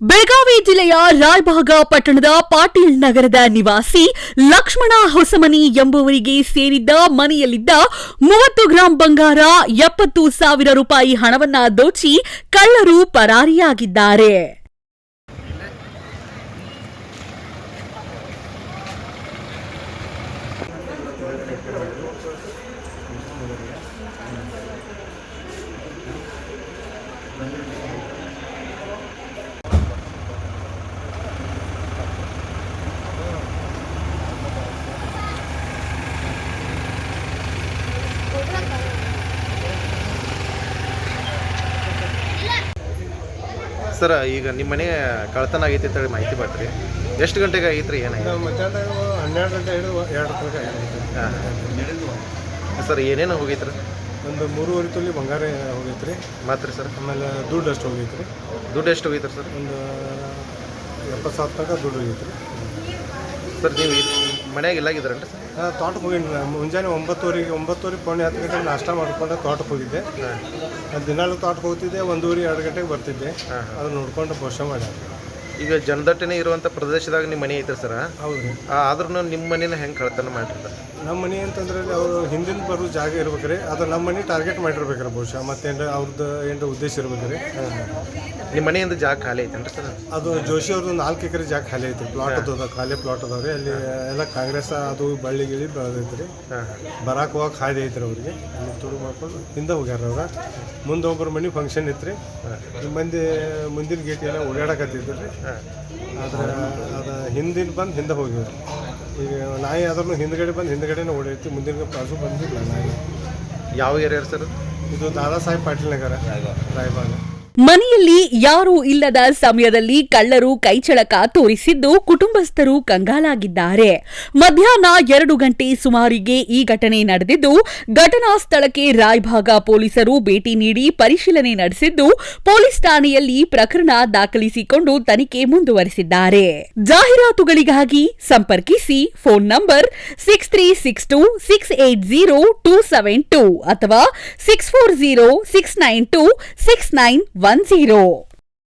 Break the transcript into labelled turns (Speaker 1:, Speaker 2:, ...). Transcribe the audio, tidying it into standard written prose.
Speaker 1: ಬೆಳಗಾವಿ ಜಿಲ್ಲೆಯ ರಾಯಭಾಗ ಪಟ್ಟಣದ ಪಾಟೀಲ್ ನಗರದ ನಿವಾಸಿ ಲಕ್ಷ್ಮಣ ಹೊಸಮನಿ ಎಂಬುವರಿಗೆ ಸೇರಿದ್ದ ಮನೆಯಲ್ಲಿದ್ದ 30 ಗ್ರಾಂ ಬಂಗಾರ 70,000 ರೂಪಾಯಿ ಹಣವನ್ನ ದೋಚಿ ಕಳ್ಳರು ಪರಾರಿಯಾಗಿದ್ದಾರೆ.
Speaker 2: ಸರ್, ಈಗ ನಿಮ್ಮ ಮನೆ ಕಳ್ತನ ಆಗೈತಿ ಅಂತೇಳಿ ಮಾಹಿತಿ ಬರ್ತೀರಿ. ಎಷ್ಟು ಗಂಟೆಗೆ ಆಗೈತ್ರಿ? ಏನಾಯ್ತು?
Speaker 3: ಮಧ್ಯಾಹ್ನ 12 ಗಂಟೆ ಹಿಡಿದು 2 ತನಕ.
Speaker 2: ಹಾಂ ಸರ್, ಏನೇನು ಹೋಗೈತ್ರಿ?
Speaker 3: ಒಂದು 3.5 ತೊಲಿ ಬಂಗಾರ ಹೋಗೈತ್ರಿ.
Speaker 2: ಮಾತ್ರಿ ಸರ್?
Speaker 3: ಆಮೇಲೆ ದುಡ್ಡು ಅಷ್ಟು ಹೋಗೈತ್ರಿ.
Speaker 2: ದುಡ್ಡು ಎಷ್ಟು ಹೋಗೈತ್ರಿ ಸರ್?
Speaker 3: ಒಂದು 70,000 ತನಕ ದುಡ್ಡು ಹೋಗೈತ್ರಿ.
Speaker 2: ಸರ್, ನೀವು ಮನ್ಯಾಗ ಇಲ್ಲಾಗಿದ್ರೇನ್ರಿ ಸರ್?
Speaker 3: ತೋಟಕ್ಕೆ ಹೋಗಿನಿ. ಮುಂಜಾನೆ 9:30 ಪೌಣೆ 10 ಗಂಟೆಗೆ ನಾಷ್ಟ ಮಾಡ್ಕೊಂಡು ತೋಟಕ್ಕೆ ಹೋಗಿದ್ದೆ. ದಿನಾಲು ತೋಟಕ್ಕೆ ಹೋಗ್ತಿದ್ದೆ. 1:30 2 ಗಂಟೆಗೆ ಬರ್ತಿದ್ದೆ. ಅದನ್ನ ನೋಡ್ಕೊಂಡು ಪೋಷಣೆ ಮಾಡಿ.
Speaker 2: ಈಗ ಜನದಟ್ಟಣೆ ಇರುವಂಥ ಪ್ರದೇಶದಾಗ ನಿಮ್ಮ ಮನೆ ಐತ್ರಿ ಸರ್?
Speaker 3: ಹೌದು ರೀ.
Speaker 2: ಆದ್ರೂ ನಿಮ್ಮ ಮನೇನ ಹೆಂಗೆ ಕಳ್ತನ ಮಾಡಿರ್ತಾರೆ?
Speaker 3: ನಮ್ಮ ಮನೆ ಅಂತಂದ್ರೆ ಅವರು ಹಿಂದಿನ ಬರೋ ಜಾಗ ಇರ್ಬೇಕ್ರಿ. ಅದು ನಮ್ಮ ಮನೆ ಟಾರ್ಗೆಟ್ ಮಾಡಿರ್ಬೇಕ್ರಿ ಬಹುಶಃ. ಮತ್ತೇನು ಅವ್ರದ್ದು ಏನು ಉದ್ದೇಶ ಇರ್ಬೇಕ್ರಿ.
Speaker 2: ನಿಮ್ಮ ಮನೆಯಿಂದ ಜಾಗ ಖಾಲಿ ಐತೇನ್ರಿ ಸರ್?
Speaker 3: ಅದು ಜೋಶಿ ಅವ್ರದ್ದು 4 ಎಕರೆ ಜಾಗ ಖಾಲಿ ಐತಿ. ಪ್ಲಾಟ್ ಅದ, ಖಾಲಿ ಪ್ಲಾಟ್ ಅದಾವ್ರಿ. ಅಲ್ಲಿ ಎಲ್ಲ ಕಾಂಗ್ರೆಸ್ ಅದು ಬಳ್ಳಿ ಗಿಳಿ ಬೆಳೆದೈತ್ರಿ. ಬರಾಕ್ ಹೋಗಕ್ಕೆ ಹಾದಿ ಐತ್ರಿ ಅವ್ರಿಗೆ. ಅಲ್ಲಿ ತುಡು ಮಾಡ್ಕೊಂಡು ಹಿಂದೆ ಹೋಗ್ಯಾರ ಅವ್ರ. ಮುಂದೆ ಒಬ್ಬರು ಮನೆ ಫಂಕ್ಷನ್ ಇತ್ತು ರೀ. ಮಂದಿ ಮುಂದಿನ ಗೇಟ್ ಎಲ್ಲ ಓಡಾಡಕತ್ತಿದ್ರು ರೀ. ಆದ್ರೆ ಅದು ಹಿಂದೆ ಹೋಗಿದ್ರು. ಈಗ ನಾಯಿ ಆದ್ರೂ ಹಿಂದ್ಗಡೆ ಹಿಂದ್ಗಡೆನೇ ಓಡೈತಿ. ಮುಂದಿನ ಪಾಸು ಬಂದಿಲ್ಲ ನಾಯಿ.
Speaker 2: ಯಾವ ಏರಿಯಾ ಸರ್?
Speaker 3: ಇದು ದಾದಾ ಸಾಹೇಬ್ ಪಾಟೀಲ್ ನಗರ, ರಾಯಬಾಗ.
Speaker 1: ಮನೆಯಲ್ಲಿ ಯಾರೂ ಇಲ್ಲದ ಸಮಯದಲ್ಲಿ ಕಳ್ಳರು ಕೈಚಳಕ ತೋರಿಸಿದ್ದು ಕುಟುಂಬಸ್ಥರು ಕಂಗಾಲಾಗಿದ್ದಾರೆ. ಮಧ್ಯಾಹ್ನ 2 ಗಂಟೆ ಸುಮಾರಿಗೆ ಈ ಘಟನೆ ನಡೆದಿದ್ದು, ಘಟನಾ ಸ್ಥಳಕ್ಕೆ ರಾಯಭಾಗ ಪೊಲೀಸರು ಭೇಟಿ ನೀಡಿ ಪರಿಶೀಲನೆ ನಡೆಸಿದ್ದು, ಪೊಲೀಸ್ ಠಾಣೆಯಲ್ಲಿ ಪ್ರಕರಣ ದಾಖಲಿಸಿಕೊಂಡು ತನಿಖೆ ಮುಂದುವರೆಸಿದ್ದಾರೆ. ಜಾಹೀರಾತುಗಳಿಗಾಗಿ ಸಂಪರ್ಕಿಸಿ ಫೋನ್ ನಂಬರ್ 6362680272 ಅಥವಾ 6406926910.